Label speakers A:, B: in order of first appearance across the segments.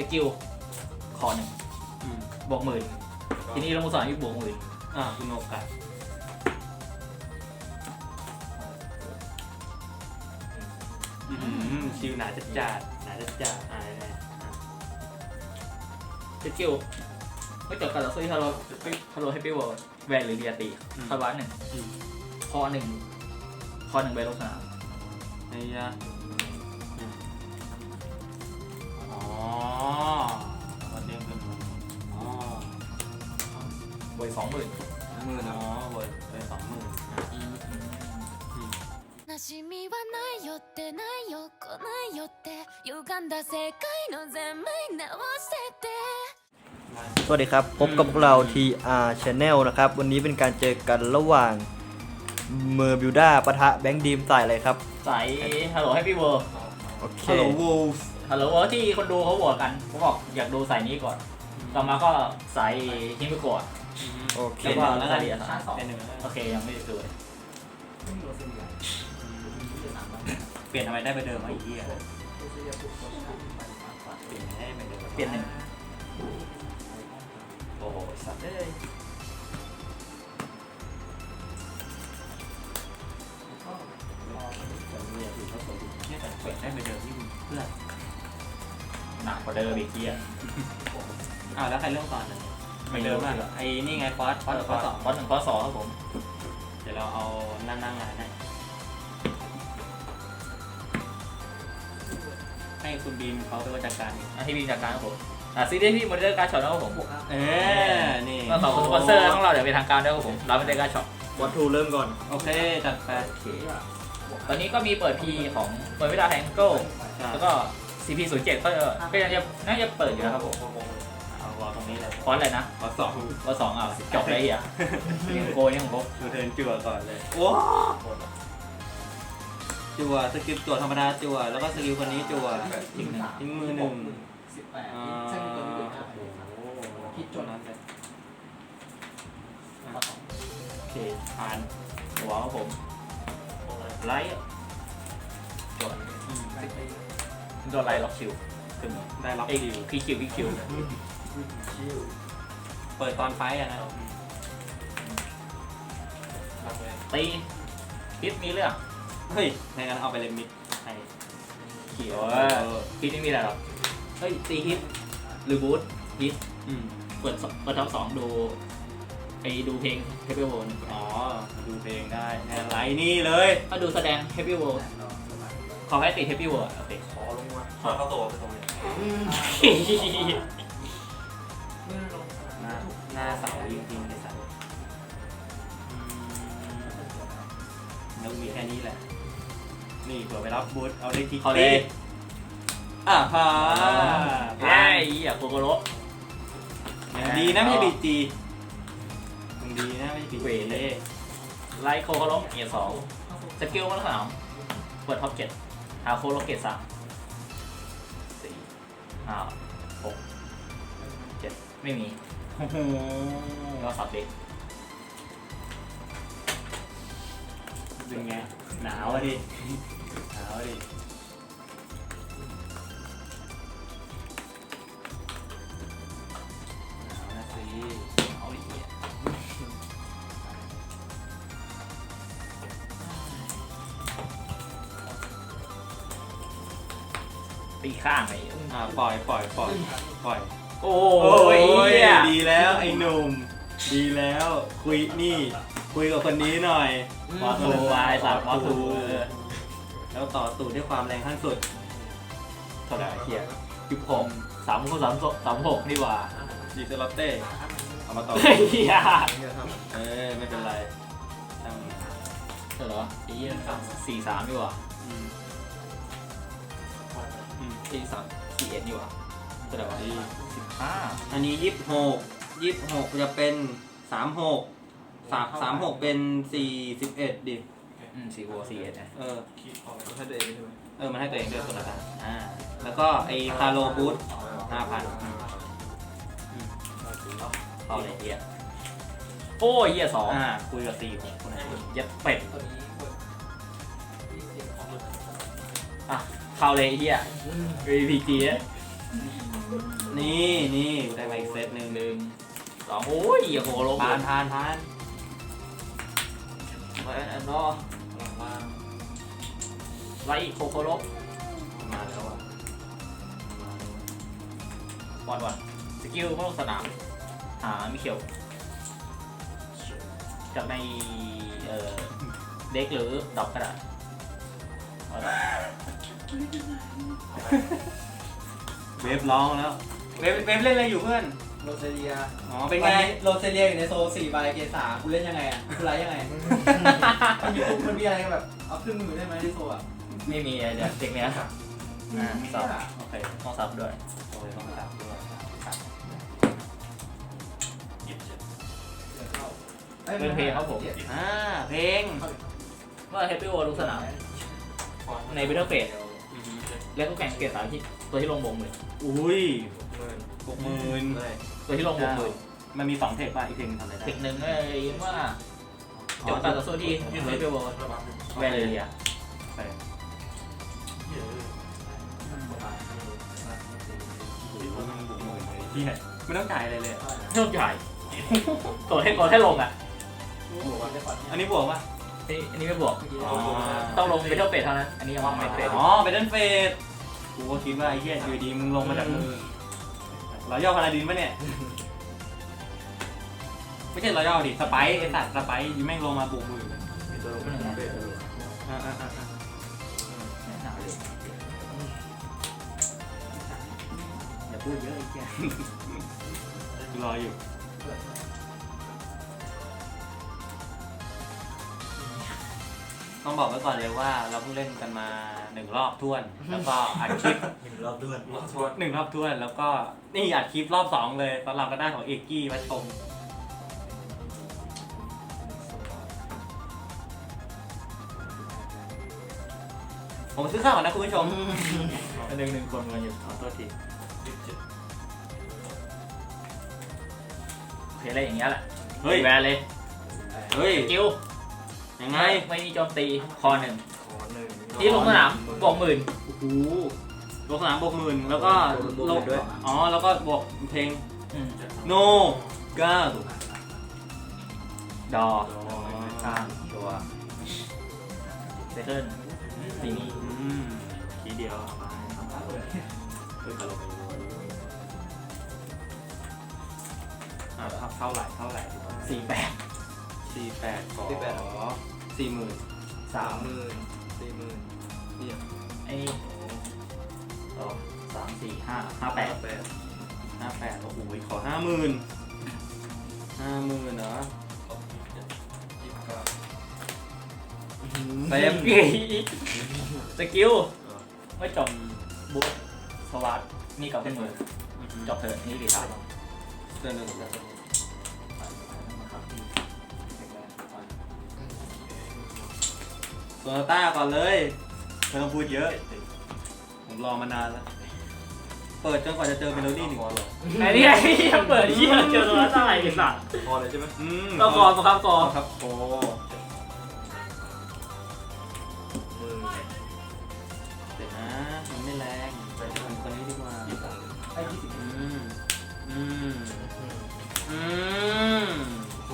A: กิลคอหนึ่งบวก10,000ทีนี้เรามุสอนอีกบวก10,000
B: คุณโอกาสชิวหนาจัดจัดหนาจัดจัด
A: สกิลไม่จบการต่อสู้ที่ฮัลโหลให้ปี้วอลแวนหรือเรียตีคาร์บาน1คอ1ใบลงสนาม
B: ไอ้ยะวันเด้งขึ้น
A: บวย20,000
B: บวยไป20,000
C: 悲しみはないよってないよ来ないよって歪んだ世界の全面直してて
D: สวัสดีครับพบกับพวกเรา TR Channel นะครับวันนี้เป็นการเจอกันระหว่างเมอร์บิวด้าปะทะแบงค์ดีมใส่อะไรครับ
A: ใส่ฮัลโหลให้ปี้วอล
D: โอเค
B: ฮัลโหลวูลส์
A: ฮัลโหลที่คนดูเขาบอกกันเขาบอกอยากดูใส่นี้ก่อนต่อมาก็ใส่ฮิมิโกะ
D: โอเค
A: แล้วก็ใส่เดียร์โอเคยังไม่ได้ดูเลย
B: เปลี่ยนทำไมได้ไปเดิมไอ้เหี้ยเปลี่ยน1โอ้โหสัตว์เลยเนี่ยแต่เปลี่ยนได้ไปเดิมที่เพื่อน
A: หนักกว่าเดิมอีกทีอ่ะ
B: แล้วใครเริ่มก่อนไม่เดิมอ่ะไอ้นี่ไงฟอส1 ฟอส 2
A: ครับผม
B: เดี๋ยวเราเอานั่งงานให้คุณบีมเขาเป็นจัดการ
A: ให้บีมจัดการครับผมซีรีส์ที่มอนิเตอร์การ์ดช็อตนะครับผม
B: นี่
A: ก็ขอบคุณสปอนเซอร์ของเราเดี๋ยวเป็นทางการด้วยครับผมเราไม่ได้การ์ดช็อต
D: วัตถุเริ่มก่อน
B: โอเคจัดไป
A: ตอนนี้ก็มีเปิด P ของเปิดวิดาแฮงเกิลแล้วก็ CP07 ก็ยังน่าจะเปิดอยู่นะครับผม
B: เอาวอลตรงนี้เลย
A: ฟอนต์อะไรนะ
B: วอล2
A: จบเลยอ่ะยังโกยยังโก
B: ดูเทิร์นจั่วก่อนเลยว้าจั่วสกิลจั่วธรรมดาจั่วแล้วก็สกิลคนนี้จั่วทิ้งมือ1คิดจนนั้นเลย
A: โอเคผ่านหัวครับผมไลท์จดโดนไลท์ล็อกคิวขึ้น
B: ได้ล็อก
A: คิว
B: เปิดตอนไฟนะ
A: ตีพิษมีเรื่อง
B: เฮ้ยในการเอาไปเลมิดให้
A: เขียวพิษไม่มีอะไรหรอกเฮ้ยตีฮิตหรือบูทฮิตเปิดท็อป2ดูเพลง Heavy World
B: ดูเพลงได้แนวไลน์นี่เลย
A: ก็ดูแสดง Heavy World ขอให้ติด Heavy World โอเค
B: ขอลงมาเข้าตัวไปตรงนี้หน้าเสาจริงๆเลยสัตว์แล้วมีแค่นี้แหละนี่เผื่อไปรับบูทเอาได้ทิกตี้ฮะ
A: ไอ้โคโกโร่
B: ดีนะไม่ใช่บีจีดีนะไม่ใช่บีจี
A: ไลท์โคโกโร่เกียร์2สกิลมัน3เปิดท็อป7หาโคโลเกต3 4 5 6 7ไม่มีก็สับเด็ก
B: เป็นไงหนาวดิหนาวนะสิ
A: เอาดิตีข้างไป
B: ปล่อย
A: โอ้ย
B: ดีแล้วไอ้หนุ่มดีแล้วคุยกับคนนี้หน่อย
A: มอทูไอ้สัตว์มอทู
B: แล้วต่อตูดด้วยความแรงขั้นสุด
A: เท่าไหร่เทีย16 36นี่ว่า
B: ดีเซลเต้เอามาต่อ
A: เฮีย
B: ไม่เป็นไร
A: เท่าไหร่วะ43นี่ว่า41นี่ว่าเท่าไหร่วะ
B: 15อันนี้26จะเป็น36เป็น41ดิ
A: 41นะ
B: ให้ตัวเองใช่ไหมมันให้ตัวเองด้วยคนละกันแล้วก็ไอ้คาร์โลบูท 5,000
A: เอาเลยเฮียโอ้ยเฮีย2
B: คุยกับ4คนนั้น
A: ยัดเป็ดเข้าเลยเฮีย VPG
B: นี่ได้มาอีกเซตหนึ่ง
A: หนึ่งสองโอ้ยโคโคโร
B: ทาน
A: ไปอันนอ
B: หลังล่าง
A: ไลโคโคโร
B: มาแล้วอ่ะ
A: ปล่อยก่อนสกิลเข้าลงสนามหามิเชลจากในเด็กหรือดอกกระดาษเอาละ
B: เวฟร้องแล้วเวฟเล่นอะไรอยู่เพื่อน
D: โรเซเลีย
B: อ๋อเป็นไง
D: โรเซเลียอยู่ในโซ4 ใบเกรด 3 กูเล่นยังไงอ่ะกูไลฟ์ยังไง มันมีอะไรแบบเอาขึ้นมือได้ไหมในโซอ่ะ
A: ไม่มีเดี๋ยวเด็กเนี้ยสับโอเคต้องสับด้วย
B: โอ้ยต้องตัดด้วย
A: เป็นเพลงครับผม
B: เพลง
A: เมื่อเฮปปี้โอลงสนามในบิทเทิลเฟสเรียกก็แข่งเกรด 3ที่ตัวที่ลงบงมือ
B: อุ้ย60,000
A: ตัวที่ลงบงมือ
B: มันมี2เทคป่ะอีกเทคนึงทำอะไรได้
A: เทคหนึ่งเลยว่าจบตัดต่อสู้ที่เฮปปี้โอแวร์เลยอ่ะ
B: ไปไม่ต้องจ่ายอะไรเลย
A: เท่าใหญ่กดให้ลงอ่ะ
B: อันนี้บวกป่ะ
A: อันนี้ไม่บวกต้องลงบิทเทิลเฟสเท่านั้นอันนี้ยังไม่เฟส
B: อ๋อไปเล่นเฟสกูก็คิดว่าไอ้เหี้ยอยู่ดีมึงลงมาจากมือรอย่อพาราดินป่ะเนี่ยไม่ใช่รอย่อดิสไปซ์ไอ้สัตว์สไปซ์ยิ่งแม่งลงมาบุกมืออย่าพูดเยอะไอ้เหี้ยกูรออยู่ต้องบอกไว้ก่อนเลยว่าเราเพิ่งเล่นกันมา1 รอบท้วน แล้วก็อัดคลิป
D: 1 รอบด้วย
B: 1 รอบท้วนแล้วก็นี่อัดคลิปรอบ 2เลยตอนเราก็ได้ของเอกกี้มาชมผมซื้อข้าวก่อนนะคุณผู้ชม
A: หนึ่งคนมาอยู่
B: ขอโทษที
A: โอเคอะไรอย่างเงี้ยแหละ
B: เฮ้ย
A: แวร์เลย
B: เฮ้ย
A: สกิล
B: ยังไง
A: ไม่มีโจมตีคอหนึ่งที่ลงสนามบวก 10,000
B: โอ้โหลงสนามบวก10,000แล้วก็ลงอ๋อแล้วก็บวกเพลง โนก้า
A: ดอข้างตัวเซเคิลซีนี่
B: ทีเดียวเท่าไหร่
A: 48
B: 48ขอ 40,000
D: 30,000 40,000นี่
A: ไอ้2 3 4 5 58
B: 58โอ้โหขอ 50,000 เหรอเต็ม
A: สกิลไม่จบบุ๊สวัสดนี่กับขึ้นมือจบเถอะนี่ดีครับ
B: เดินโซนาต้าก่อนเลยไม่ต้องพูดเยอะ ผมรอมานานแล้ว เปิดจนกว่าจะเจอเมโลดี้1 ตัว
A: ไอ้นี่ไอ้ยังเปิดที่เจอตัวละเท่าไหร่กันสัตว์
D: พอเลยใช่ไหม
A: ก็กอนครับกอน
B: ครับโอ้เดี๋ยวนะมันไม่แรงไปทำคนนี้ดีกว่า
D: ไอ้20 โอ้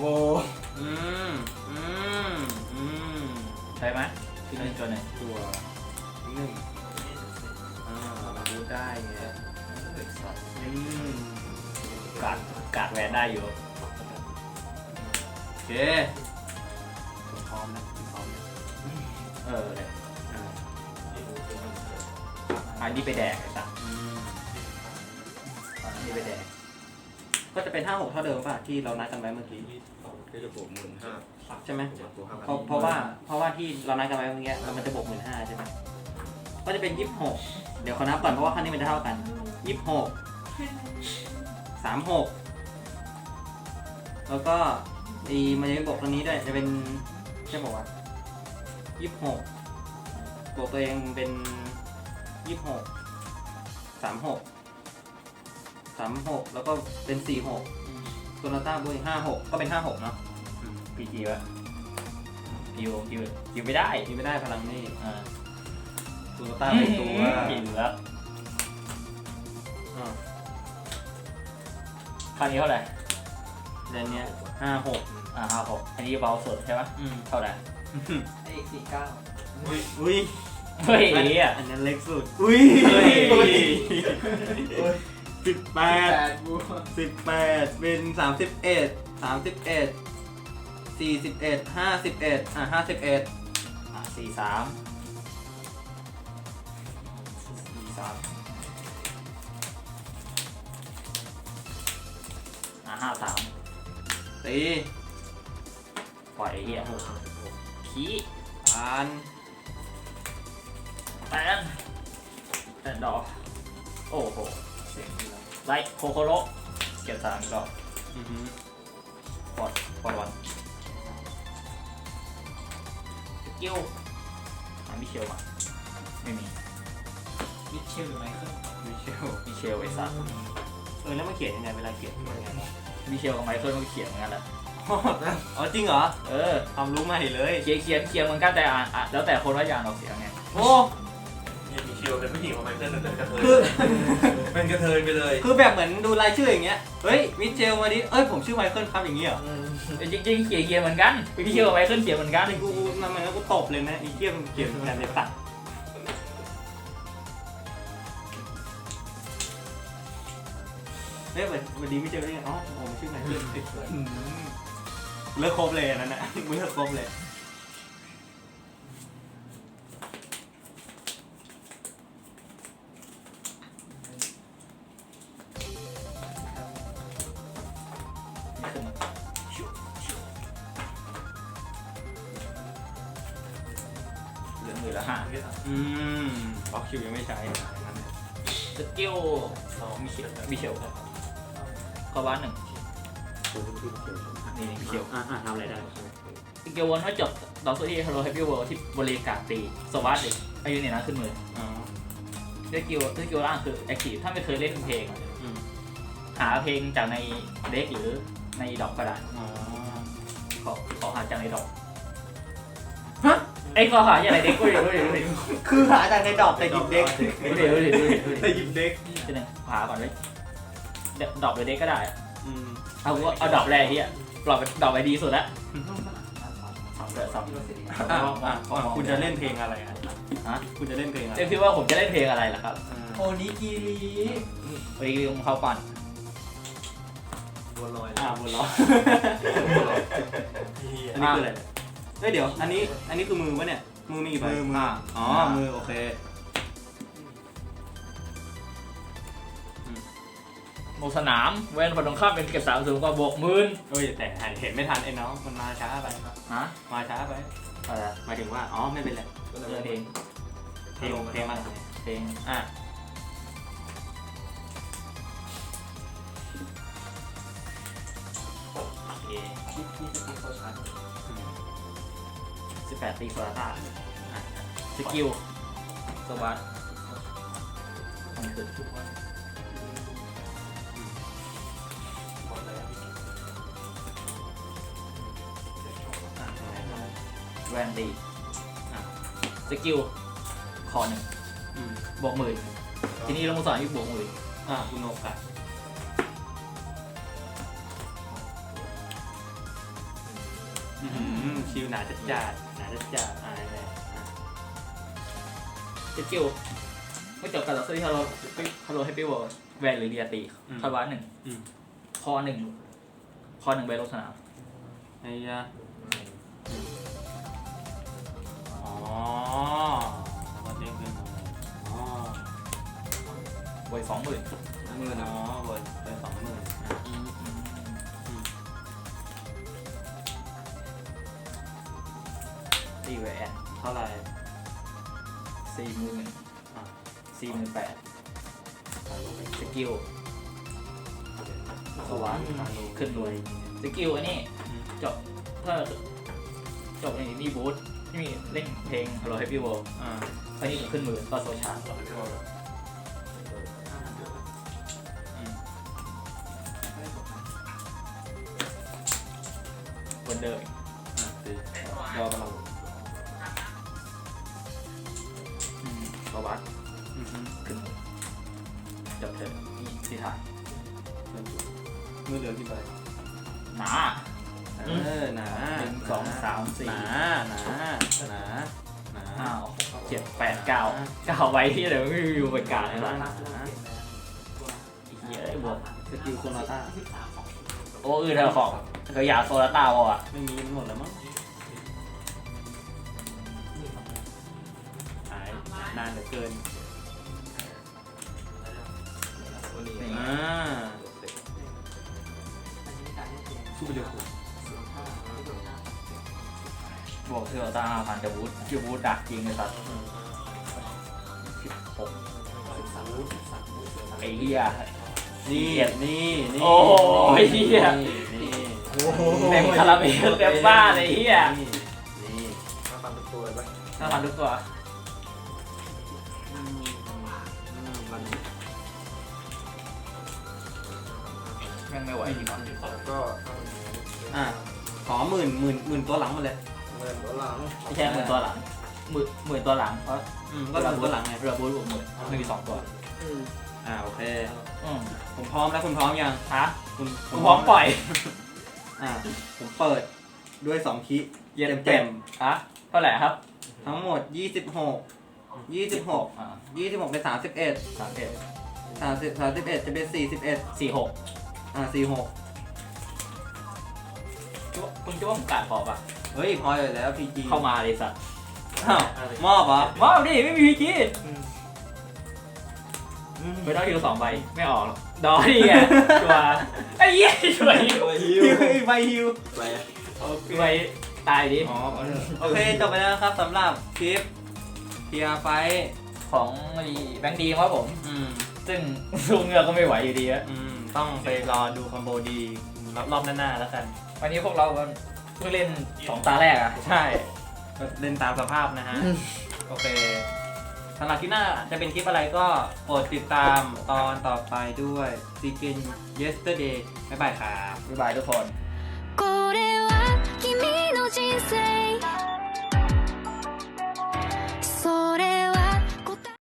A: ใช่ไหมที่นี่ตัวไหน
B: ตัว1พูดได้ไง
A: กาดแวนได้อยู่
B: โอเคพร้อมนะ
A: เลยอันนี้ไปแดกไอ้สัตว์อันนี้ไปแดก
B: ก็จะเป็น 5-6 เท่าเดิมป่ะที่เรานัดกันไว้เมื่อกี้
D: ก็จะบวก15,000
B: ใช่ไหม
D: บวก
B: เพราะว่าที่เรานัดกันไว้เมื่อกี้มันจะบวก 15,000 ใช่ไหมก็จะเป็น 26 เดี๋ยวขอนับก่อนเพราะว่าครั้งนี้มันจะเท่ากัน 26 36 แล้วก็มันจะเป็นบวกครั้งนี้ด้วยจะเป็นใช่ป่าววะ26บวกตัวเองเป็น26 36 แล้วก็เป็น 46 โซนาต้าบวกอีก56 ก็เป็น 56 เนาะ
A: พีจีวะคิวไม่ได้
B: นี่ไม่ได้พลังนี่
A: อ่า
B: โซนาต้าเป็นตัว
A: กินแล้ว
B: อ่า
A: คราวนี้เท่าไหร่
B: เดือนเนี้ย56
A: 56อันนี้เบาสุดใช่ปะเท่าไหร่
E: ไอ้49
B: อุ้ย
A: เฮ้ยอ่ะ
B: อันนั้นเล็กสุดอุ้ย 18
E: บู
B: 18เป็น31 41 41 51 51
A: 53
B: ตี
A: ปล่อยไอ้เหี้ยขี้
B: ผ่าน
A: แตนดอกโอ้โหไลท์โคโคโรเก็บ3อีกรอบปอดวันสกิลมิเชลมาไม่มี
E: มิเชลหรือไมเคิล
B: มิเชล
A: มิเชลไอ้สัส
B: แล้วมันเขียนยังไงเวลาเขียนยังไง
A: มิเชลกับไมเคิลมันเขียนเหมือนกันแหละ
B: อ๋อจริงเหรอ ความรู้ใหม่เลย
A: เขียนเหมือนกันแต่อ่านแล้วแต่คนว่าจะอ่านออกเสียงไง
B: โอ้
F: เนี่ยมีเชียวเป็นผู้หญิงของไมเคิลเป็นกระเทย
B: คือ
F: เป็นกระเทยไปเลย
B: คือแบบเหมือนดูรายชื่ออย่างเงี้ย เฮ้ย มิเชลมาดิ เอ้ย ผมชื่อไมเคิลครับอย่างงี้เหรอ
A: จริงๆเขียนเหมือนกันมิเชลกับไมเคิลเขียนเหมือนกัน
B: กูมันก็กูตบเลยนะไอ้เกี้ยมนเขียนกันในตัดเฮ้ยวันนี้ไม่เจอได้ไงอ๋อผมชื่อไมเคิลเลิกครบเลยอันนั้นนะมึงเลิกครบเลย
A: เหลือมือละ5
B: บล็อกคิวยังไม่ใช้
A: สกิลมิเชลเข้าบ้าน1นี่มิเชล
B: ทำอะไรได้
A: สกิลวนว่าจบดอกสุดที่ฮัลโหลแฮปปี้เวิลด์ที่บริการตีสวัสดีอายุเนี่ยนะขึ้นมือสกิลล่างคือแอคทีฟถ้าไม่เคยเล่นเพลงหาเพลงจากในเด็กหรือในดอกก็ได้ขอหาจากในดอกฮะไอ้ขอหาจากในเด็กก็ดูดิ
B: คือหาจากในดอกแต่หยิบเด็ก
A: ดูดิ
B: แต่หยิบเด็ก
A: ทีนึงหาก่อนเลยดอกหรือเด็กก็ได้เอาดอกแรกที่ดอกไปดีสุดละ
B: คุณจะเล่นเพลงอะไรฮะคุณจะเล่นเพลงอะไร
A: เจ๊คิดว่าผมจะเล่นเพลงอะไรล่ะครับ
E: โอนิกิริ
A: วันนี้ผมเข้าก่อน
E: บัวลอย
B: บัวล้ออันนี้คืออะไรเฮ้ยเดี๋ยวอันนี้คือมือวะเนี่ยมือมีกี่ใบอ๋อมือโอเค
A: โมสนามเว้นฝั่งตรงข้ามเป็นเก็บ3 สูงกว่าบวก10,000
B: เฮ้ยแต่เห็นไม่ทันไอ้น้องมันมาช้าไป
A: ฮะ
B: มาช้าไป
A: อะไร
B: หมายถึงว่าอ๋อไม่เป็นไร
A: เพลง
B: เพลงมัน
A: เพลงโอเค
E: ที่สกิลโคชาร์
A: 18 ตีโซลาต้าสกิลสวัสดมันคือแวนตีสกิลคอ1บวก10,000ทีนี้เรามาสอนที่บวก10,000
B: คุณโนกะคิวหนาจัดอะไรเนี่ย
A: สกิลไม่จบการต่อสู้ที่ฮัลโหลแฮปปี้เวิลด์แวนหรือเรียตีคาร์บาน1คอ1ใบลงสนาม
B: ไอ้ยะอ๋อมันเด้งขึ้นมาอ๋อ
A: ไว้ 20,000
B: มือนะอ๋อเบอร์20,000
A: ตีแวน
B: เท่าไหร่
A: 40,000 48,000สกิลสวัสดขึ้นรวยสกิลอันนี้จบถ้าจบในนี่บูธที่มีเล่นเพลง Hello Happy World อันนี้ขึ้นมือก็โซชาร์วันเดิมรอกำลังสวัสดขึ้นมือจบเถอะนี่ที่ถ่าย
B: มือเหลือกี่ใบ
A: หนา
B: หนา
A: หนึ่งสองสามสี่
B: หนาหนาหนาหนา
A: ห้าหกเจ็ดแปดเก้าใบที่เดี๋ยวไม่มีเป็นการเลยนะเหี้ยไอ้บวก
B: สกิลโคนาต้า
A: โอ้เธอของเธออยากโซลาต้าวะ
B: ไม่มีมันหมดแล้วมั้งหายนานเหลือเกินสู้ไปเร็ว
A: บวกโซลาต้า5,000จะบูทคิวบูทดักจริงเลยสัตว์ไอ้เหี้ย
B: นี่นี่
A: โอ้ยเหี้ย
B: นี่
A: เต็มคาราเบลเต็มบ้านเลยเหี้ย
B: นี่
F: มาฟันตัวไป
A: 5,000ทุกตัว แม่งไม่ไหวจริงวะ
F: ก็
B: อ่ะขอหมื่นตัวหลังมาเลย
F: เงินตัวหลัง
A: ไม่ใช่หมื่นตัวหลังหมื่นตัวหลังเพราะ
B: ก็หมื่นตัวหลังไง
A: เรือบูทบวกหมื่นไม่มี2ตัว
B: โอเค
A: อืม
B: ผมพร้อมแล้วคุณพร้อมยัง
A: ฮะ
B: คุณ
A: กูพร้อมปล่อย
B: ผมเปิดด้วย2คิเต็ม
A: ฮะเท่าไหร่ครับ
B: ๆทั้งหมด26
A: อ่า
B: 26เป็น31
A: 31
B: 31จะเป็น41
A: 46
B: 46
A: คุณคิดว่าผมกาดพอปะ
B: เฮ้ยพออยู่แล้ว PG
A: เข้ามาเลยสัตว์
B: อ้าวมอบเหรอ
A: ว้าวดิไม่มีพีจีไม่ต้องฮิว2 ใบไม่ออกหรอกดอนี่ไงชัวร์ไอ้เหี้ยช่วย
B: ฮิวใบฮิว
A: ไปตายดิ
B: อ๋อโอเคจบไปแล้วนะครับสำหรับคลิปเทียร์ไฟ
A: ของแบงค์ดีครับผม ซึ่งสู้เงือกก็ไม่ไหวอยู่ดีอะ
B: ต้องไปรอดูคอมโบดีรอบหน้าๆแล้วกัน
A: วันนี้พวกเราเพิ่งเล่น2 ตาแรกอะ
B: ใช่เล่นตามสภาพนะฮะ โอเคสำหรับที่หน้าจะเป็นคลิปอะไรก็โปรดติดตามตอนต่อไปด้วย Seeking Yesterday บ๊ายบายครับ
A: บ๊ายบายทุกคน